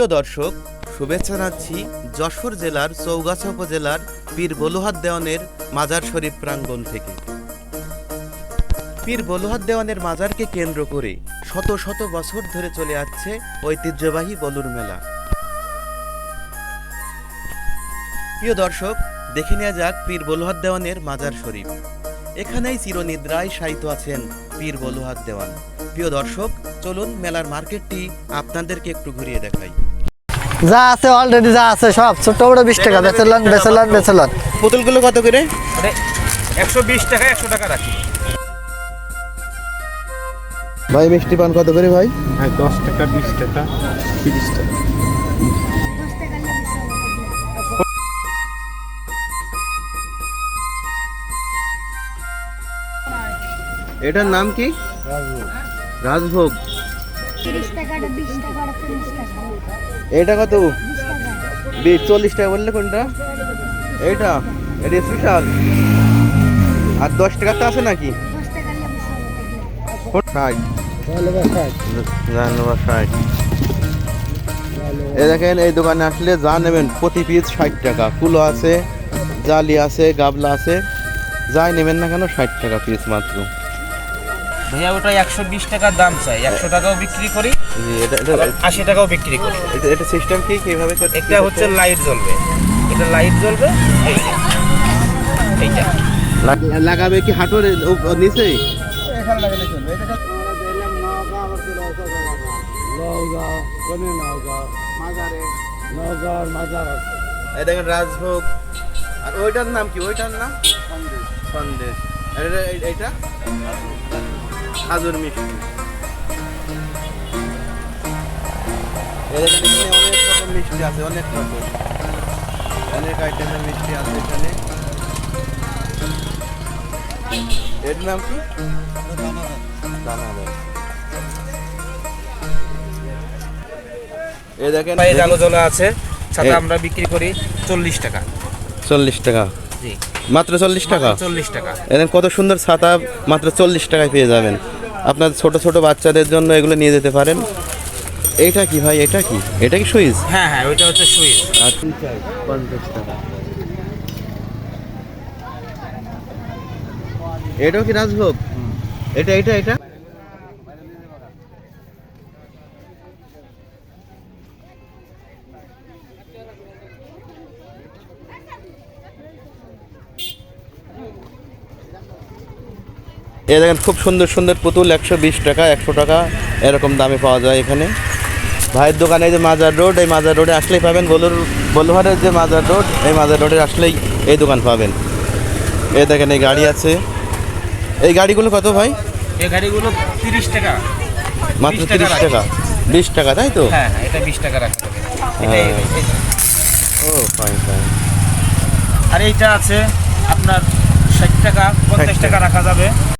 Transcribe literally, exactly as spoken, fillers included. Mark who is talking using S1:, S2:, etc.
S1: প্রিয় দর্শক, শুভেচ্ছা জানাচ্ছি যশোর জেলার চৌগাছা উপজেলার পীর বলুহাত দেওয়ানের মাজার শরীফ প্রাঙ্গণ থেকে। পীর বলুহাত দেওয়ানের মাজারকে কেন্দ্র করে শত শত বছর ধরে চলে আসছে ঐতিহ্যবাহী বলুর মেলা। প্রিয় দর্শক, দেখে নেওয়া যাক পীর বলুহাত দেওয়ানের মাজার শরীফ। এখানেই চিরনিদ্রায় শায়িত আছেন পীর বলুহাত দেওয়ান। প্রিয় দর্শক, চলুন মেলার মার্কেটটি আপনাদেরকে একটু ঘুরিয়ে দেখাই।
S2: যা আছে অলরেডি যা আছে সব ছোট বড় বিশ টাকা বেচেলন বেচেলন বেচেলন।
S1: পুতুলগুলো কত করে?
S3: একশো বিশ টাকা একশো টাকা রাখি
S1: ভাই মিষ্টি পান কত করে ভাই?
S3: ভাই দশ টাকা বিশ টাকা তিরিশ টাকা।
S1: এটার নাম কি? রাজভোগ। এটা কত? চল্লিশ টাকা বললে কোনটা? এইটা এটা স্পেশাল। আর দশ টাকা তো আছে নাকি? এই দেখেন, এই দোকানে আসলে যা নেবেন প্রতি পিস ষাট টাকা। কুলো আছে, জালি আছে, গাবলা আছে, যাই নেবেন না কেন ষাট টাকা পিস মাত্র।
S3: ভাইয়া ওটা একশো বিশ টাকার দাম চাই, একশো টাকাও বিক্রি করি,
S1: জি, এটা এটা
S3: আশি টাকাও বিক্রি করি।
S1: এটা এটা সিস্টেম কি কিভাবে করতে?
S3: একটা হচ্ছে লাইট জ্বলবে, এটা লাইট জ্বলবে, এইটা এইটা
S1: লাগ- লাগাবে কি হাঁটুর নিচে? এই দেখেন রাজভোগ। আর ওইটার নাম কি? ওইটার নাম সন্দেশ। আর এটা- এই- এইটা খাজুর মিষ্টি। এই দেখেন, এখানে অনেক রকম মিষ্টি আছে, অনেক রকম অনেক আইটেমের মিষ্টি আছে এখানে। এর নাম কি? দানাদার। এই দেখেন,
S3: ভাই আলো জ্বলা আছে, সাথে
S1: এই-
S3: আমরা বিক্রি করি চল্লিশ টাকা।
S1: চল্লিশ টাকা
S3: জি,
S1: মাত্র চল্লিশ টাকা।
S3: চল্লিশ টাকা।
S1: এখানে কত সুন্দর ছাতা মাত্র চল্লিশ টাকায় পেয়ে যাবেন। আপনার ছোট ছোট বাচ্চাদের জন্য এগুলো নিয়ে যেতে পারেন। এইটা কি ভাই? এটা কি? এটা কি সুইচ?
S3: হ্যাঁ হ্যাঁ, ওইটা হচ্ছে সুইচ।
S1: আর পঞ্চাশ টাকা। এটাও কি রাজভোগ? এটা এটা এটা এ দেখেন, খুব সুন্দর সুন্দর পুতুল, একশো বিশ টাকা একশো টাকা এরকম দামে পাওয়া যায় এখানে। ভাইয়ের দোকানে এই যে মাজার রোড, এই মাজার রোডে আসলেই পাবেন। বলুর বলুহারের যে মাজার রোড, এই মাজার রোডে আসলেই এই দোকান পাবেন। এই দেখেন, এই গাড়ি আছে। এই গাড়িগুলো কত ভাই?
S3: এই গাড়িগুলো তিরিশ টাকা।
S1: মাত্র
S3: বিশ টাকা
S1: তিরিশ
S3: রাখি।
S1: টাকা বিশ টাকা, তাই তো?
S3: হ্যাঁ হ্যাঁ, এটা বিশ টাকা রাখা যাবে। এটা
S1: হ্যাঁ।
S3: এই- এই-
S1: ও ফাইন ফাইন।
S3: আর এইটা আছে আপনার ষাট টাকা, পঞ্চাশ টাকা রাখা যাবে।